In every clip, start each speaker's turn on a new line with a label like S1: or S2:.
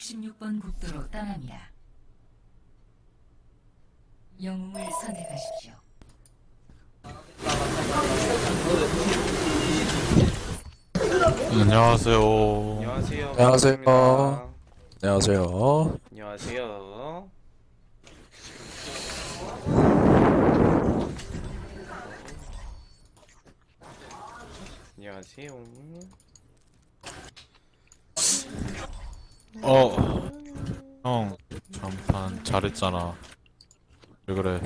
S1: 66번 국도로 떠납니다. 영웅을 선택하십시오.
S2: 안녕하세요.
S3: 안녕하세요.
S4: 안녕하세요.
S3: 반갑습니다.
S4: 안녕하세요.
S3: 안녕하세요. 안녕하세요.
S2: 형, 잠깐 잘했잖아. 왜 그래?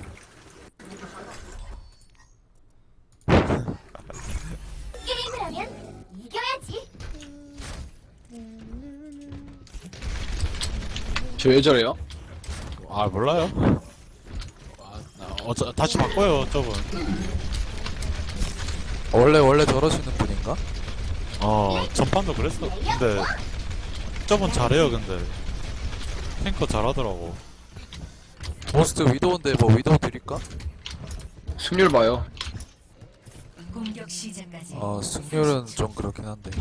S5: 게임을 하면 이겨야지.
S4: 저 왜 저래요?
S2: 아, 몰라요. 다시 바꿔요, 저분.
S4: 원래 저러시는 분인가?
S2: 전판도 그랬어. 근데, 저분 잘해요, 근데. 탱커 잘하더라고.
S4: 모스트 위도우인데 뭐 위도우 드릴까?
S6: 승률 봐요.
S1: 공격 시작까지.
S4: 승률은 좀 그렇긴 한데.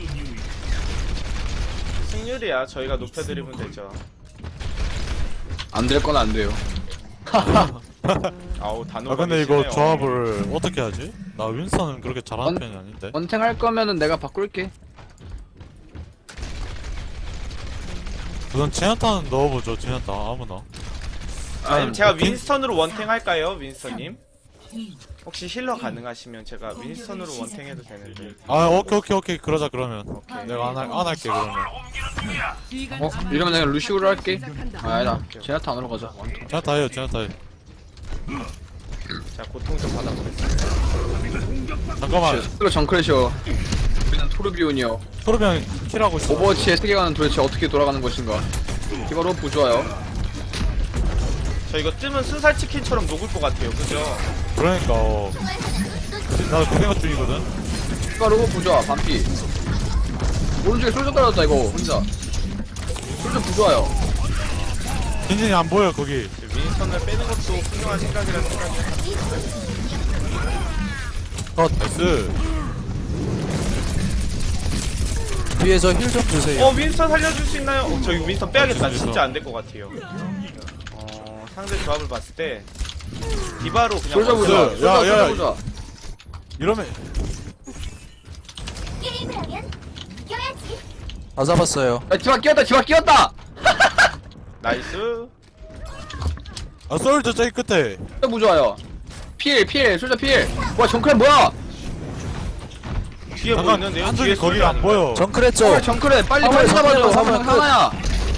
S3: 승률이야. 저희가 높여드리면 되죠.
S6: 안 될 건 안 돼요.
S3: 아우 단호가
S2: 근데 이거
S3: 계시네요.
S2: 조합을 어떻게 하지? 나 윈스턴은 그렇게 잘하는
S6: 원-
S2: 편이 아닌데.
S6: 원탱 할 거면은 내가 바꿀게.
S2: 우선 제나타는 넣어보죠, 제나타. 아무나.
S3: 아니면 제가
S2: 빈-
S3: 윈스턴으로 원탱 할까요, 윈스턴님?
S1: 2,
S3: 혹시 힐러 가능하시면 제가 윈스턴으로 원탱해도 되는데.
S2: 오케이. 그러자, 그러면. 내가 안 할게, 그러면.
S6: 이러면 내가 루시우로 할게. 아니다. 제나타 안으로 가자.
S2: 제나타 해요, 제나타 해.
S3: 자, 고통 좀 받아보겠습니다.
S2: 잠깐만.
S6: 스스로 정크래셔. 우리는 토르비온이요.
S2: 토르비앙 킬하고 있어.
S6: 오버워치의 세계관은 도대체 어떻게 돌아가는 것인가? 디바로 부좋아요.
S3: 저 이거 뜨면 순살 치킨처럼 녹을 것 같아요. 그죠?
S2: 그러니까, 나도 그 생각 중이거든.
S6: 디바로 부좋아. 반피. 오른쪽에 솔져 떨어졌다 이거 혼자. 솔져 부좋아요.
S2: 겐진이 안 보여, 거기.
S3: 윈스턴을 빼는 것도 훌륭한 생각이라는 생각이.
S2: 나이스.
S4: 뒤에 저 힐 좀 주세요.
S3: 윈스턴 살려줄 수 있나요? 저기 윈스턴 빼야겠다.
S2: 윈스턴.
S3: 진짜 안 될 것 같아요. 상대 조합을 봤을 때 디바로 그냥
S6: 솔져
S3: 원스톱.
S6: 부좋아.
S2: 야,
S6: 솔져
S2: 야.
S6: 부좋아.
S2: 이러면,
S5: 게임을 하면 이겨야지.
S4: 다 잡았어요.
S6: 야, 디바 끼웠다. 디바 끼웠다.
S3: 나이스.
S2: 솔저 저기 끝에.
S6: 솔져 부좋아요. 필. 솔져 필. 와 정크래 뭐야?
S3: 뒤에 뭐
S2: 잠깐,
S3: 있는데요?
S2: 한쪽이
S3: 뒤에
S2: 거기
S3: 솔저
S2: 안 보여.
S4: 정크랬죠?
S6: 정크래 빨리
S4: 화물,
S6: 잡아줘.
S4: 화물,
S6: 화물
S4: 끝.
S6: 하나야.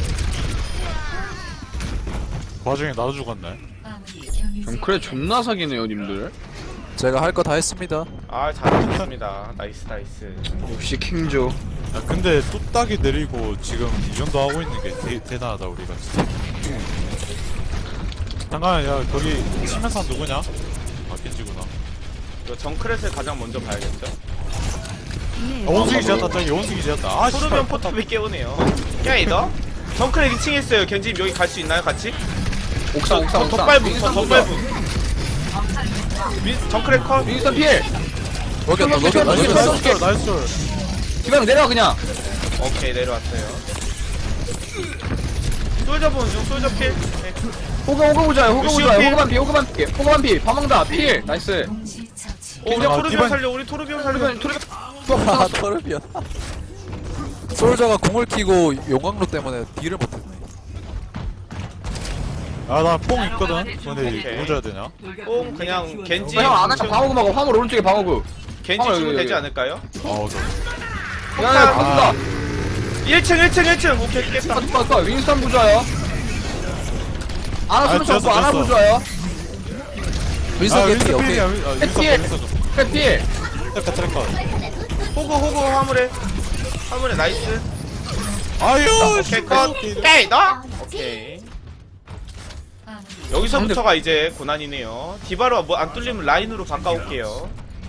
S2: 그 와중에 나도 죽었네.
S1: 마무리 경유
S6: 정크래 존나 사기네요 님들.
S4: 제가 할 거 다 했습니다.
S3: 잘하셨습니다. 나이스.
S6: 역시 킹조.
S2: 야, 근데 뚝딱이 내리고 지금 이 정도 하고 있는 게 대단하다, 우리가 진짜. 잠깐만, 야, 거기 치면서 누구냐? 겐지구나.
S3: 이거 정크렛을 가장 먼저 봐야겠죠?
S2: 원숭이 지었다, 저기 원숭이 지었다.
S3: 토르비언 포탑이 깨우네요. 야 이거 정크렛 2층에 있어요. 견지님 여기 갈 수 있나요? 같이?
S6: 옥상.
S3: 덧발부. 정크렛 컷.
S6: 윈스턴 필.
S4: 먹였다,
S6: 먹였다,
S4: 먹였다.
S6: 먹였다.
S2: 나이스, 나이스.
S6: 디방 내려 그냥.
S3: 오케이 내려왔어요. 솔저 보는 중. 솔저 필. 네.
S6: 호그 보자요. 호그
S3: 루시오
S6: 보자요.
S3: 필.
S6: 호그만 필. 바망다 필. 나이스.
S1: 동시 처치.
S3: 우리
S2: 아,
S3: 토르비언
S2: 디바-
S3: 살려. 우리 토르비언 살려.
S4: 아, 토르비언. 솔저가 공을 키고 용광로 때문에 딜을 못했네.
S2: 나 뽕 있거든? 근데
S3: 오케이.
S2: 뭐 줘야 되냐?
S3: 뽕 그냥 겐지.
S6: 형 아까 방어구 먹어. 화물 오른쪽에 방어구.
S3: 겐지
S6: 여기,
S3: 주면
S6: 여기,
S3: 되지
S6: 여기.
S3: 않을까요?
S2: 오케이.
S6: 야야 방어구다.
S3: 1층. 오케이 깼다.
S6: 빠빠 윈스턴 부자요. 아나 손
S2: 지었어,
S6: 잡고 아나
S2: 지었어.
S6: 부자요.
S4: 윈서 개피,
S2: 윈스턴
S4: 오케이.
S2: 필이야, 윈스턴
S6: 필.
S2: 윈스턴 좀.
S6: 필.
S2: 트래커.
S3: 호구 화물에 나이스.
S2: 아유,
S3: 오케이 컷. 에이 너? 오케이.
S1: 마무리.
S3: 여기서부터가 이제 고난이네요. 디바로 뭐 안 뚫리면 라인으로 바꿔올게요.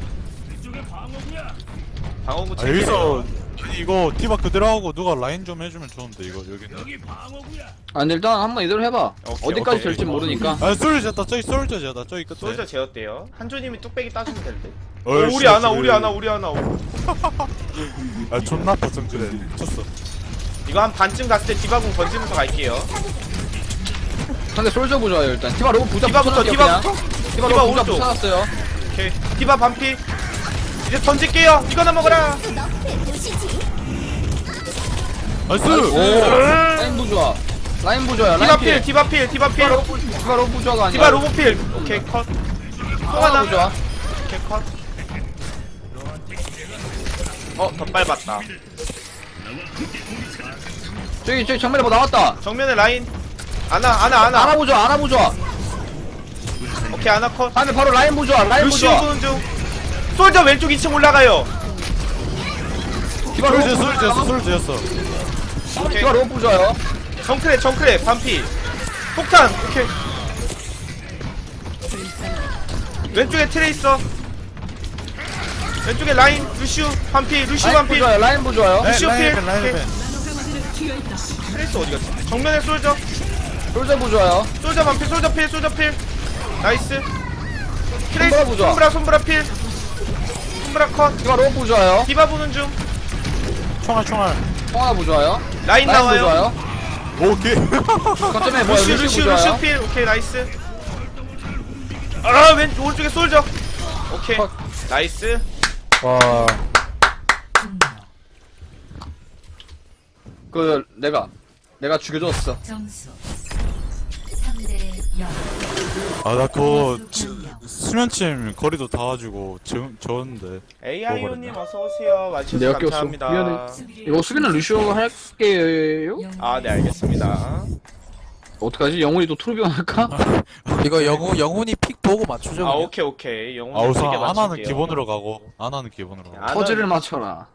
S3: 방어구 체크.
S2: 여기서 이거 디바 그대로 하고 누가 라인 좀 해주면 좋은데 이거 여기는.
S6: 아 근데 일단 한번 이대로 해봐.
S3: 오케이,
S6: 어디까지
S3: 오케이.
S6: 될지 모르니까.
S2: 솔저 지었다, 저기 솔저 지었다, 저기 끝에.
S3: 솔저 제어대요. 한조님이 뚝배기 따주면 될 듯.
S2: 어이,
S3: 우리 하나.
S2: 존나 아파, 정글에. 미쳤어.
S3: 이거 한 반쯤 갔을 때 디바공 던지면서 갈게요.
S6: 상대 솔저 부조화요 일단. 디바 로브 부자
S3: 디바부터,
S6: 붙여놨게요,
S3: 디바부터.
S6: 그냥. 디바
S3: 디바
S6: 로브 부자
S3: 오른쪽.
S6: 붙여놨어요.
S3: 오케이. 디바 반피. 이제 던질게요. 이거나 먹어라.
S2: 나이스!
S6: 오 라인 부조화. 라인 부조화야.
S3: 디바 필, 디바 필, 디바 필.
S6: 디바 로브 부조화가 아니야.
S3: 디바 로보 필. 오케이, 컷. 또 하나.
S6: 부조화.
S3: 오케이, 컷. 더 빨봤다.
S6: 저기 정면에 뭐 나왔다.
S3: 정면에 라인. 아나.
S6: 아나 부조화.
S3: 오케이, 아나 컷.
S6: 다음에 바로 라인 부조화. 라인
S3: 루시오
S6: 부조화.
S3: 보는 중. 솔저 왼쪽 2층 올라가요.
S6: 디바 로브
S2: 솔지였어.
S3: 오케이.
S6: 디바 로브 부조화요.
S3: 정크레, 반피. 폭탄, 오케이. 왼쪽에 트레이서. 왼쪽에 라인, 루시오, 반피, 루시오
S6: 라인
S3: 반피.
S6: 부조화요. 라인 부조화요.
S3: 루시오 필.
S2: 라인벤.
S3: 트레이서 어디 갔지? 정면에 솔저.
S6: 솔저 부조화요.
S3: 솔저 반피, 솔저 필. 나이스. 트레이서,
S6: 손브라 부조화.
S3: 손브라 필. 손브라 컷.
S6: 디바 로브 부조화요.
S3: 디바 보는 중.
S2: 총알.
S6: 통화 부조화요.
S3: 라인
S6: 라인
S3: 나와요.
S6: 부조화요.
S2: 오케이.
S6: 거점에 뭐야?
S3: 루시오 필. 오케이, 나이스. 아, 오른쪽에 솔저. 오케이.
S6: 컷.
S3: 나이스.
S4: 와.
S6: 그 내가 죽여줬어.
S1: 점수 3대 0.
S2: 아, 나 그거 수면침 거리도 닿아가지고 졌는데.
S3: AIO님 어서오세요. 와주셔서
S6: 내가 꼈어.
S3: 감사합니다.
S6: 미안해. 이거 수비는 루시오 할게요.
S3: 아, 네, 알겠습니다.
S6: 어떡하지? 영훈이 또 트루비온 할까?
S4: 이거 영훈이 픽 보고 맞추죠.
S3: 아,
S4: 그냥.
S3: 오케이. 영웅
S2: 아, 우선
S3: 세개
S2: 아나는
S3: 맞출게요.
S2: 기본으로 가고. 아나는 기본으로 가고.
S6: 퍼즐을 맞춰라.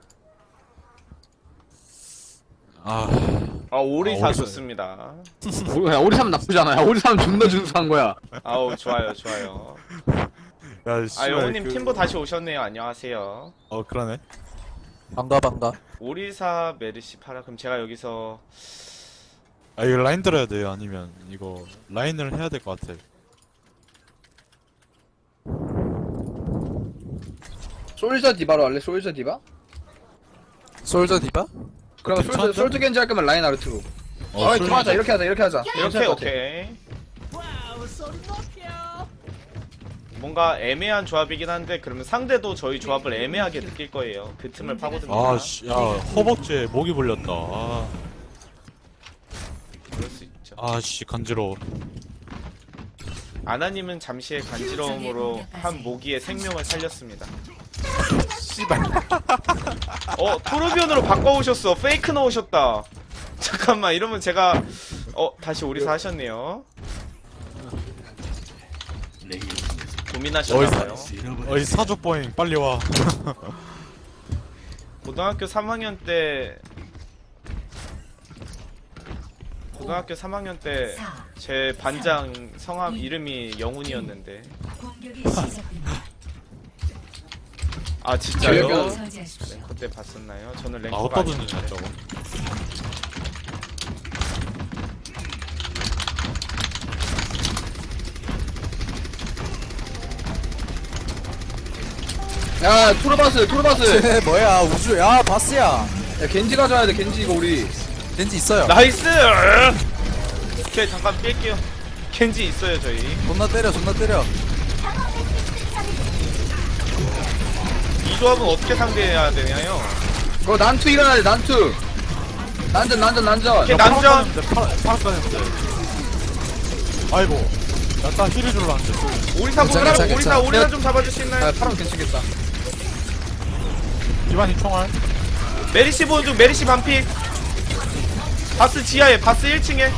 S3: 오리사
S2: 오리사.
S3: 좋습니다.
S6: 오리사면 나쁘지 않아요. 오리사면 존나 준수한 거야.
S3: 아우, 좋아요.
S2: 야,
S3: 아,
S2: 씨발,
S3: 영웅님 팀보 다시 오셨네요. 안녕하세요.
S2: 그러네.
S4: 반가.
S3: 오리사 메르시 파라. 그럼 제가 여기서
S2: 아, 이거 라인 들어야 돼요? 아니면 이거 라인을 해야 될 것 같아.
S6: 솔저 디바로 할래? 솔저 디바?
S4: 솔저 디바?
S6: 그러면
S2: 괜찮죠?
S6: 솔저 겐지 할 거면 라인 아르트로.
S2: 솔저.
S6: 좋아하자. 이렇게 하자. 이렇게 하자.
S3: 이렇게 오케이. 뭔가 애매한 조합이긴 한데 그러면 상대도 저희 조합을 애매하게 느낄 거예요. 그 틈을 파고듭니다.
S2: 아, 씨, 야, 허벅지에 목이 불렸다.
S3: 그럴 수 있죠.
S2: 씨, 간지러워.
S3: 아나님은 잠시의 간지러움으로 한 모기의 생명을 살렸습니다.
S2: 씨발.
S3: 토르비온으로 바꿔오셨어. 페이크 넣으셨다. 잠깐만, 이러면 제가 다시 오리사 하셨네요. 고민하셨나봐요.
S2: 어이, 사족보잉, 빨리 와.
S3: 고등학교 3학년 때 제 반장 성함 이름이 영훈이었는데.
S1: 공격이 시작됩니다.
S3: 아, 진짜요?
S6: 기억이
S1: 저지하십시오.
S3: 네, 그때 봤었나요? 저는 랭커가
S2: 어디다
S3: 아니었는데.
S2: 던지냐, 저거.
S6: 야, 토르바스.
S4: 쟤 뭐야 우주야 바스야.
S6: 야, 겐지 가져야 돼. 겐지 이거 우리.
S4: 겐지 있어요.
S3: 나이스! 오케이, 잠깐 뺄게요. 켄지 있어요, 저희.
S4: 존나 때려.
S3: 이 조합은 어떻게 상대해야 되냐요?
S6: 그거 난투 일어나야 돼. 난투. 난전.
S3: 오케이, 남전!
S2: 파악가는데. 아이고. 나 딱 힐을 줄라 했는데.
S3: 오리사
S4: 괜찮아,
S3: 보느라
S4: 괜찮아.
S3: 오리사 좀 잡아줄 수 있나요?
S6: 아, 파랑 괜찮겠다.
S2: 기반이 총알.
S3: 메리시 보는 중, 메리시 반피. 바스 지하에, 바스 1층에.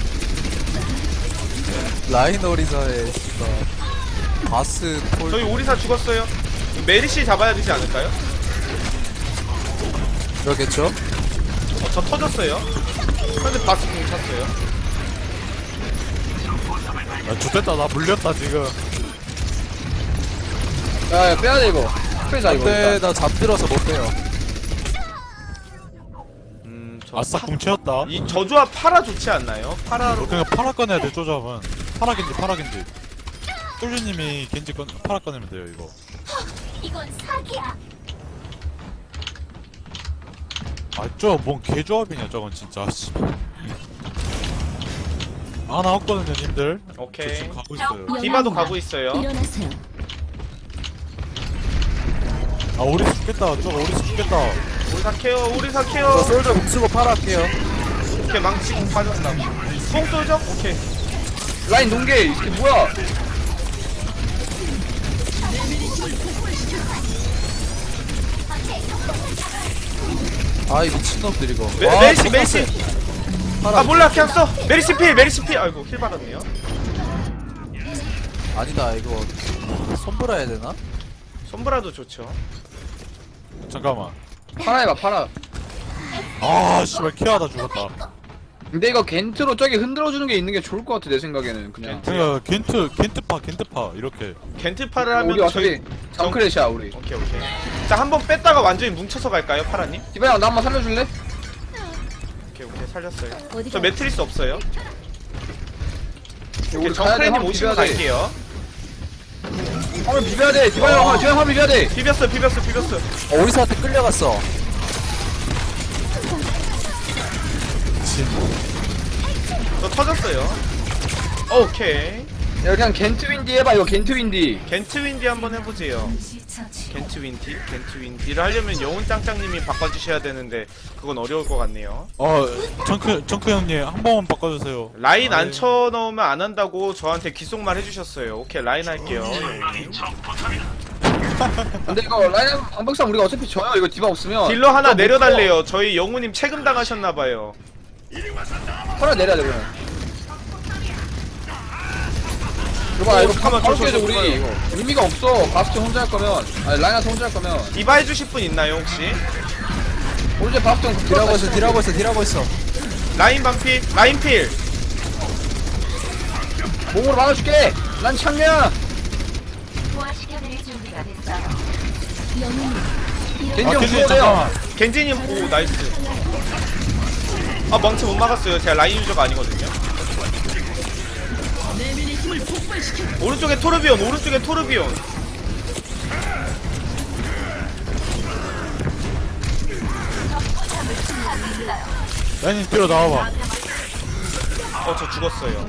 S4: 라인 오리사의 씨발 바스 톨.
S3: 저희 오리사 죽었어요. 메리시 잡아야 되지 않을까요?
S4: 그러겠죠?
S3: 저 터졌어요. 근데 바스 공 찼어요.
S2: 야, 좋됐다. 나 물렸다, 지금.
S6: 야, 빼야 돼 이거. 빼자 이거.
S4: 근데
S6: 일단.
S4: 나 잠들어서 못 빼요.
S2: 아싸, 궁채였다.
S3: 저 조합 파라 좋지 않나요? 파라로.
S2: 그러니까 파라 꺼내야 돼, 쪼잡은. 파라겐지. 쫄주님이 겐지 파라 꺼내면 돼요, 이거.
S5: 이건 사기야.
S2: 아저뭔 개조합이냐 저건 진짜 씨. 아 나왔거든요 님들. 저
S3: 오케이.
S2: 지금 가고 있어요.
S3: 디바도 가고 있어요.
S1: 일어나세요.
S2: 아 우리 죽겠다 저거 우리 죽겠다.
S3: 우리 사케요. 우리
S4: 저
S3: 사케요.
S4: 솔저 공 쓰고 팔아 할게요.
S3: 오케이 망치 공 빠졌다. 뽕 쏠죠? 오케이.
S6: 라인 농계 이게 뭐야?
S4: 아이 미친놈들 이거.
S3: 메리시 메리시.
S4: 팔아.
S3: 아 몰라 그냥 써. 메리시 필 메리시 필. 아이고 힐 받았네요.
S4: 아니다 이거 손보라 해야 되나?
S3: 손브라도 좋죠.
S2: 잠깐만.
S6: 팔아 해봐 팔아.
S2: 아 씨발 키하다 죽었다.
S6: 근데 이거 겐트로 저기 흔들어주는 게 있는 게 좋을 것 같아 내 생각에는 그냥.
S2: 그러니까 겐트파 이렇게.
S3: 겐트파를 하면
S6: 우리 어차피 정크렛이야 우리.
S3: 오케이 오케이. 자 한 번 뺐다가 완전히 뭉쳐서 갈까요 파라님?
S6: 디바야 나 한번 살려줄래?
S3: 오케이 오케이 살렸어요.
S1: 어디가?
S3: 저 매트리스 없어요.
S6: 우리
S3: 오케이
S6: 가야 돼.
S3: 정크레님
S6: 한번
S3: 오시면
S6: 비벼야 돼.
S3: 갈게요.
S6: 한번 비벼야 돼. 디바야 한번 비벼야 돼.
S3: 비볐어.
S4: 오리사한테 끌려갔어.
S3: 저 터졌어요. 오케이.
S6: 야 그냥 겐트 윈디 해봐 이거 겐트 윈디.
S3: 겐트 윈디 한번 해보세요.
S1: 시처치.
S3: 겐트 윈디를 하려면 영훈 짱짱님이 바꿔주셔야 되는데 그건 어려울 것 같네요.
S2: 정크 형님 한 번만 바꿔주세요.
S3: 라인 안 쳐넣으면 안 한다고 저한테 귓속말 해주셨어요. 오케이 라인 할게요. 영훈님.
S6: 근데 이거 라인 방법상 우리가 어차피 져요 이거 디바 없으면.
S3: 딜러 하나 내려달래요. 저희 영훈님 책임 당하셨나봐요.
S6: 팔아 내려야 돼 그러면. 이거 봐
S3: 오,
S6: 이거
S3: 잠깐만,
S6: 바로
S3: 저
S6: 깨져
S3: 좋아요.
S6: 우리 이거 의미가 없어. 바스트 혼자 할 거면 아니 라인한테 혼자 할 거면
S3: 디바 해주실 분 있나요 혹시?
S6: 오른쪽 바스트
S4: 딜하고 있어.
S3: 라인 반필 라인 필.
S6: 몸으로 막아줄게. 난 창녀야.
S5: 부활시켜드릴 준비가 됐어요.
S6: 겐지
S2: 아
S6: 형
S2: 겐지
S6: 죽어야 돼요.
S3: 겐지님 오 나이스. 아 망치 못 막았어요. 제가 라인 유저가 아니거든요. 오른쪽에 토르비온.
S2: 라인님 뒤로 나와봐.
S3: 저 죽었어요.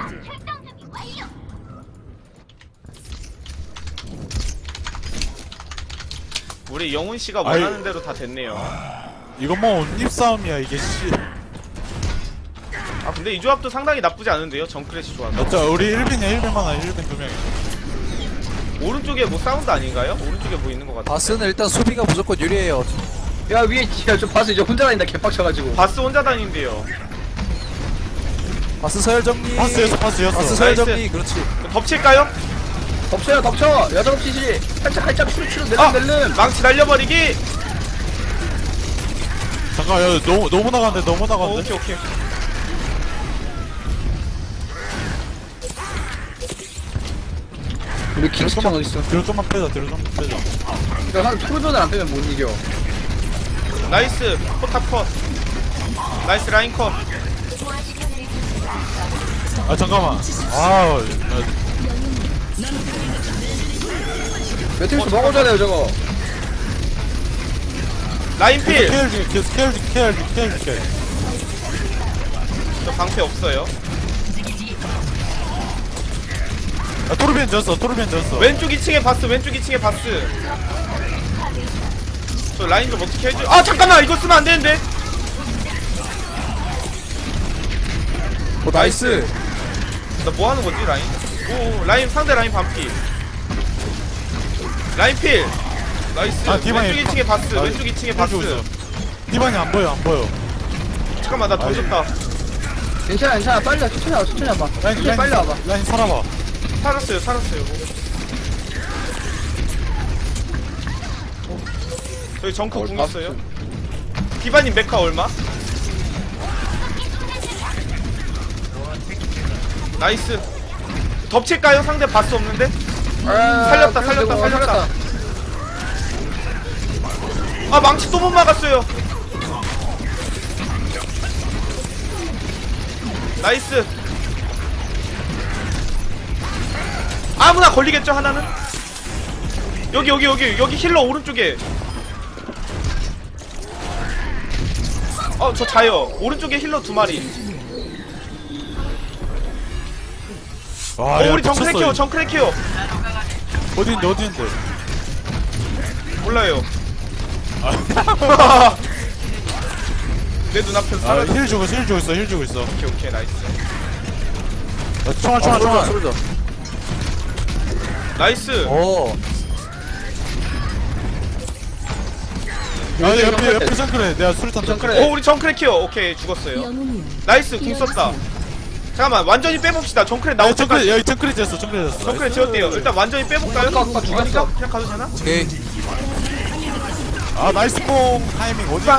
S3: 우리 영훈 씨가
S2: 아이.
S3: 원하는 대로 다 됐네요.
S2: 이거 뭐 입싸움이야 이게 씨.
S3: 아 근데 이 조합도 상당히 나쁘지 않은데요. 정크래시 조합.
S2: 맞자 우리 1빈이야 1빈 많아 1빈 2명이.
S3: 오른쪽에 뭐 사운드 아닌가요? 오른쪽에 뭐 있는 것 같아.
S4: 바스는 일단 수비가 무조건 유리해요.
S6: 야 위에 야저 바스 이제 혼자 다닌다 개빡쳐가지고.
S3: 바스 혼자 다닌대요.
S4: 바스 서열 정리.
S2: 파스였어.
S4: 바스 서열
S3: 나이스.
S4: 정리. 그렇지.
S3: 덮칠까요?
S6: 덮쳐요 덮쳐. 여자 덮치지. 살짝 추르
S3: 아!
S6: 낼름.
S3: 망치 날려버리기!
S2: 잠깐 야 너무 나간대.
S3: 오케이.
S6: 우리 킹스턴 어딨어?
S2: 뒤로 좀만 빼자.
S6: 그러니까 한 토르전을 안 빼면 못 이겨.
S3: 나이스! 포탑 컷! 나이스 라인 컷!
S5: 부활시켜드릴 준비가 됐어요.
S2: 아 잠깐만. 아
S6: 매트리스 먹어줘야 돼요 저거.
S3: 라인 필!
S2: 케어 줄게.
S3: 저 방패 없어요.
S2: 아 토르비엔 졌어.
S3: 왼쪽 2층에 바스. 저 라인 좀 어떻게 해줘. 아 잠깐만! 이거 쓰면 안 되는데!
S4: 오 나이스.
S3: 나 뭐 하는 거지 라인? 오 라인 상대 라인 반피. 라인 필! 나이스.
S2: 아, 디바이.
S3: 왼쪽 2층에 바스.
S2: 아,
S3: 왼쪽 2층에 바스.
S2: 해주고 있어. 디반이 안 보여.
S3: 잠깐만 나 던졌다.
S6: 괜찮아 빨리 와 천천히 와봐. 천천히 빨리 와봐.
S2: 라인 살아봐.
S3: 살았어요. 저희 정크 궁 있어요. 디바님 메카 얼마? 나이스. 덮칠까요? 상대 바스 없는데? 살렸다. 아 망치 또 못 막았어요. 나이스. 아무나 걸리겠죠 하나는? 여기 힐러 오른쪽에. 저 자요. 오른쪽에 힐러 2마리.
S2: 와, 야,
S3: 우리 정크레
S2: 미쳤어,
S3: 키워,
S2: 이거.
S3: 정크레 키워.
S2: 어디인데, 어디인데?
S3: 몰라요. 내 눈앞에서
S2: 아,
S3: 사라져.
S2: 힐 주고 있어, 힐 주고 있어, 힐 주고 있어.
S3: 오케이, 오케이, 나이스.
S2: 야, 총알, 총알, 총알.
S4: 솔져.
S3: 나이스.
S4: 오.
S2: 야, 옆에 정크레. 내가 수류탄
S6: 정크레.
S3: 우리 정크레 키워. 오케이, 죽었어요. 나이스, 궁 썼다. 잠깐만, 완전히 빼봅시다. 정크레
S2: 야,
S3: 나올
S2: 정크레,
S3: 때까지.
S2: 야, 정크레 됐어, 정크레 됐어.
S3: 정크레 지었대요. 일단 완전히 빼볼까요?
S6: 아까 죽였어.
S3: 그냥 가도 되나?
S4: 오케이.
S2: 아, 나이스 뽕 타이밍 어디고?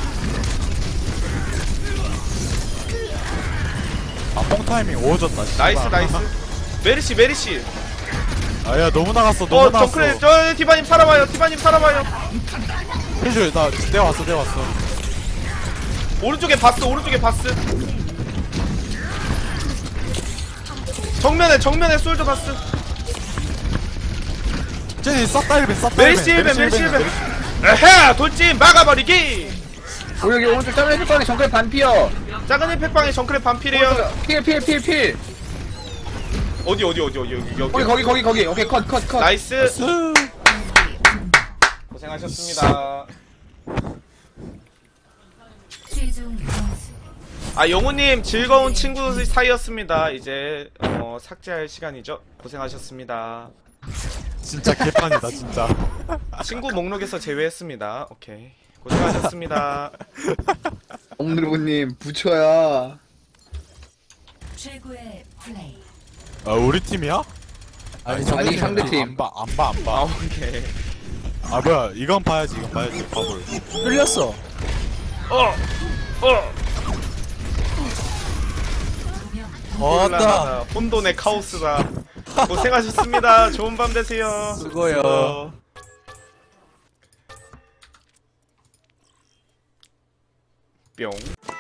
S2: 아, 뽕 타이밍 오졌다. 씨발.
S3: 나이스, 나이스. 메리시, 메리시.
S2: 아, 야, 너무 나갔어, 너무 나갔어.
S3: 정크레, 디바님 살아봐요. 디바님 살아봐요.
S2: 힐 줘, 내가 왔어, 내가 왔어.
S3: 오른쪽에 바스, 오른쪽에 바스. 정면에 솔저 바스.
S2: 쟤니 쌌다 1벤, 쌌다 1벤.
S3: 메리시 1벤, 메리시 1벤. 에헤, 돌진 막아버리기.
S6: 여기 오른쪽 짬내 햇빵에 정크레 반피어.
S3: 작은 힐팩방에 정크레 반필이에요.
S6: 필.
S3: 어디, 여기.
S6: 거기. 오케이, 컷.
S3: 나이스.
S2: 쓰.
S3: 고생하셨습니다.
S1: 최종 점수
S3: 영우님 즐거운 친구 사이였습니다. 이제 삭제할 시간이죠. 고생하셨습니다.
S2: 진짜 개판이다, 진짜.
S3: 친구 목록에서 제외했습니다. 오케이. 고생하셨습니다.
S6: 엄누르님 부처야.
S1: 최고의 플레이.
S2: 아, 우리 팀이야?
S6: 아니, 상대팀.
S2: 안 봐.
S3: 오케이.
S2: 아, 뭐야, 이건 봐야지, 바볼.
S4: 끌렸어. 왔다.
S3: 혼돈의 카오스다. 고생하셨습니다. 좋은 밤 되세요.
S4: 수고요.
S3: 뿅.